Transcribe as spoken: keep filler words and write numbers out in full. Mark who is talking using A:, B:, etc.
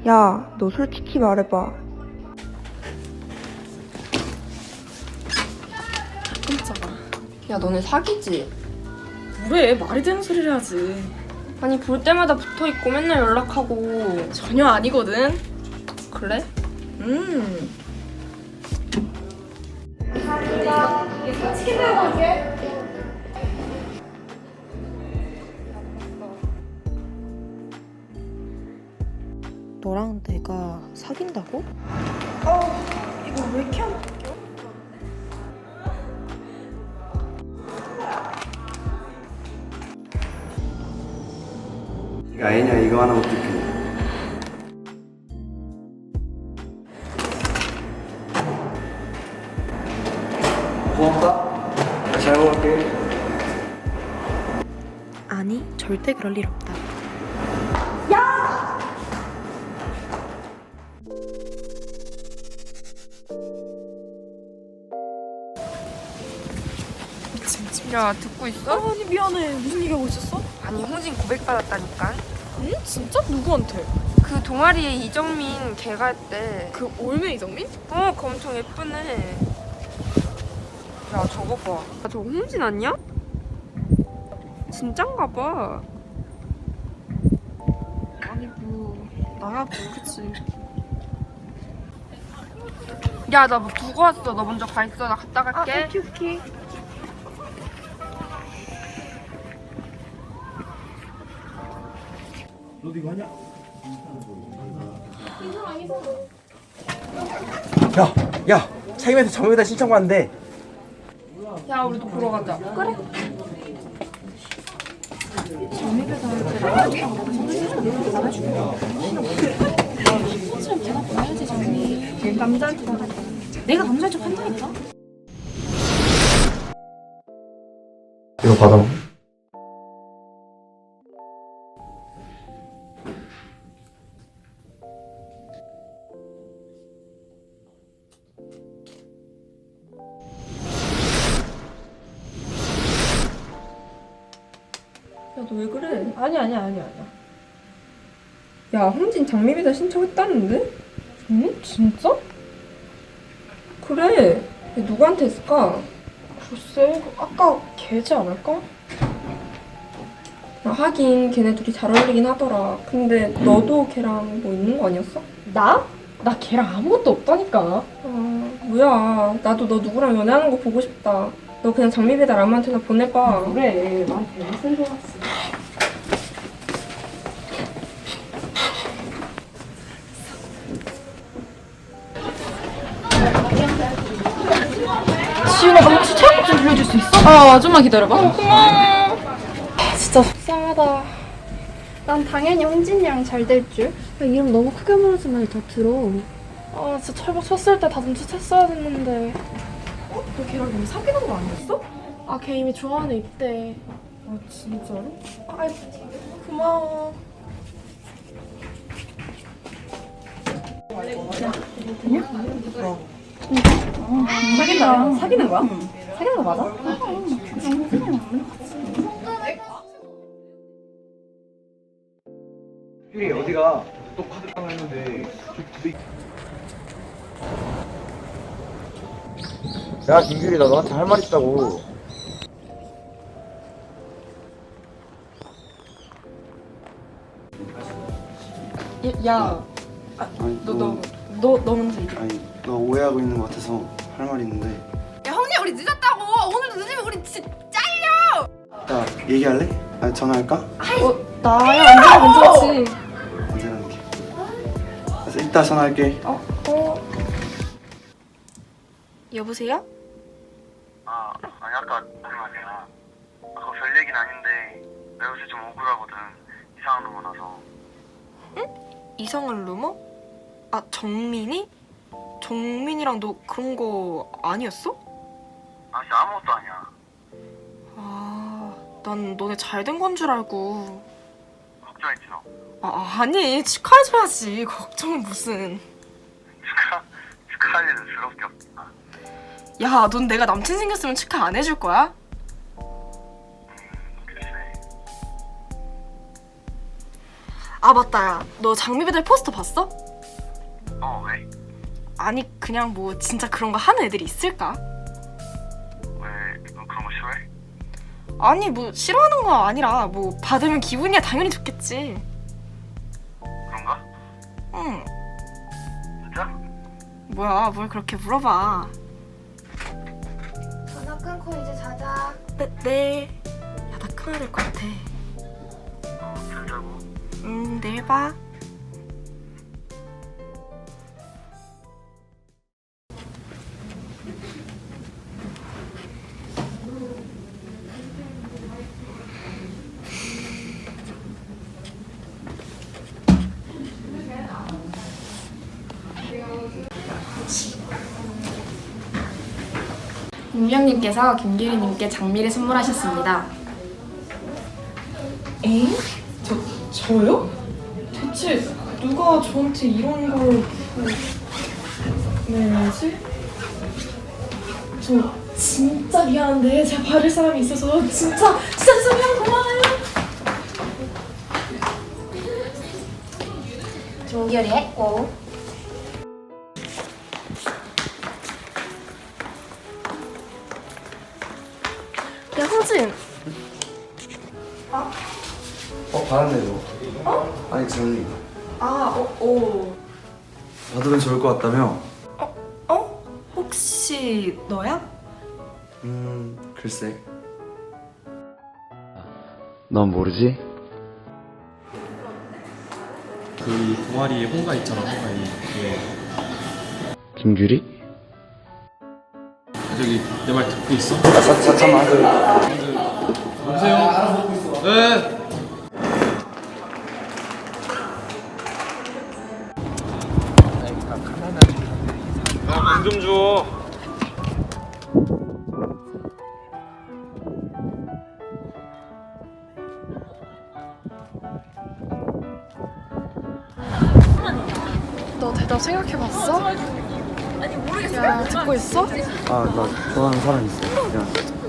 A: 야, 너 솔직히 말해봐.
B: 깜짝아.
A: 야, 너네 사귀지?
B: 뭐래? 말이 되는 소리를 하지.
A: 아니, 볼 때마다 붙어있고 맨날 연락하고.
B: 전혀 아니거든.
A: 그래?
B: 음.
C: 너랑 내가 사귄다고?
B: 이거 왜 이렇게 안
D: 이거 애냐 이거 하나 어떡해. 고맙다. 잘 먹을게.
C: 아니, 절대 그럴 일 없다.
A: 야, 듣고 있어?
B: 아니 미안해. 무슨 얘기하고 있었어?
A: 아니, 홍진 고백받았다니까.
B: 응? 진짜? 누구한테?
A: 그 동아리에 이정민 걔가 했대.
B: 그 올메 이정민?
A: 어, 그 엄청 예쁘네. 야, 저거 봐. 야, 저거 홍진 아니야? 진짠가 봐.
B: 아니 뭐 나야 모르겠지.
A: 야, 나 뭐 두고 왔어. 너 먼저 가 있어. 나 갔다 갈게.
B: 오케이 오케이.
D: 너도 이거 하냐? 야, 야, 차임에서 정유다 신청 받는데.
A: 야, 우리도 보러 가자. 그래.
D: 이거 받아.
A: 야, 너 왜 그래?
B: 아니 아니 아니 아니야.
A: 야, 홍진 장미비자 신청했다는데?
B: 응? 진짜?
A: 그래. 얘 누구한테 했을까?
B: 글쎄 아까 걔지 않을까?
A: 아, 하긴 걔네 둘이 잘 어울리긴 하더라. 근데 너도 걔랑 뭐 있는 거 아니었어?
B: 나? 나 걔랑 아무것도 없다니까.
A: 아, 뭐야. 나도 너 누구랑 연애하는 거 보고 싶다. 너 그냥 장미배달 아무한테나 보내봐.
B: 그래 나한테 무슨 좋았어. 지윤아 나 혹시 체육 좀 빌려줄 수 있어? 아 좀만 기다려봐. 어, 고마워. 진짜
E: 속상하다. 난 당연히 홍진이랑 잘 될 줄.
C: 야, 이름 너무 크게 말하지 말고 다 들어.
E: 아 진짜 철벽 쳤을 때 다 눈치챘어야 됐는데.
B: 너 걔랑 이미 사귀는 거 아니었어?
E: 아 걔 이미 좋아하는 입대.
B: 아 진짜로?
E: 아이 고마워.
B: 사귄다. 사귀는 거야? 사귀는 거 맞아?
D: 유리 어디가? 또 카드 땅 했는데. 야, 김규리 나 너한테 할 말 있다고.
B: 야,
D: 아니,
B: 너 너 너 너 먼저 얘기해.
D: 아니, 너 오해하고 있는 것 같아서 할 말이 있는데.
A: 야, 형님 우리 늦었다고. 오늘도 늦으면 우리 진짜
D: 야, 얘기할래? 아니, 전화할까?
B: 어, 나야 언제나 괜찮지.
D: 언제나 이렇게. 그래서 이따 전화할게.
B: 어, 어.
C: 여보세요?
F: 아, 아니 아까 무슨 말이야. 아까 별 얘기는 아닌데 나 요새 좀 억울하거든. 이상한 놈 많아서.
C: 이성을 루머? 아, 정민이? 정민이랑 너 그런 거 아니었어?
F: 아 진짜 아무것도 아니야.
C: 아, 난 너네 잘 된 건 줄 알고.
F: 걱정했지 너.
C: 아, 아니, 축하해줘야지. 걱정은 무슨.
F: 축하 축하할 일은 스럽게 없다.
C: 야, 넌 내가 남친 생겼으면 축하 안 해줄 거야?
F: 글쎄.
C: 아 맞다 야. 너 장미배달 포스터 봤어?
F: 어, 왜?
C: 아니 그냥 뭐 진짜 그런 거 하는 애들이 있을까?
F: 왜, 너 그런 거 싫어해?
C: 아니 뭐 싫어하는 거 아니라 뭐 받으면 기분이야 당연히 좋겠지.
F: 그런가?
C: 응.
F: 진짜?
C: 뭐야 뭘 그렇게 물어봐.
E: 전화 끊고 이제 자자.
C: 네, 네. 야 나 끊어야 될 것 같아.
F: 어, 잘 자고.
C: 음 내일 봐.
G: 운명님께서 김규리님께 장미를 선물하셨습니다.
B: 에? 저, 저요? 대체 누가 저한테 이런 걸 보내지? 저 진짜 미안한데 제가 받을 사람이 있어서 진짜 진짜 진짜 미안 고마워요.
G: 종결이 했고
C: 야 효진.
D: 어, 받았네, 너. 어? 아니, 장미.
C: 아 어, 어.
D: 받으면 좋을 것 같다며?
C: 어? 혹시 너야?
D: 음, 글쎄. 넌 모르지?
H: 그 동아리에 홍가 있잖아, 홍가이. 예.
D: 김규리?
H: 저기 내 말 듣고 있어?
D: 아, 자, 자, 잠깐만. 그,
H: 여보세요? 네. 야돈좀 줘.
C: 너 대답 생각해봤어? 아니 모르겠어. 야 듣고 있어?
D: 아, 나 좋아하는 사람 있어. 미안.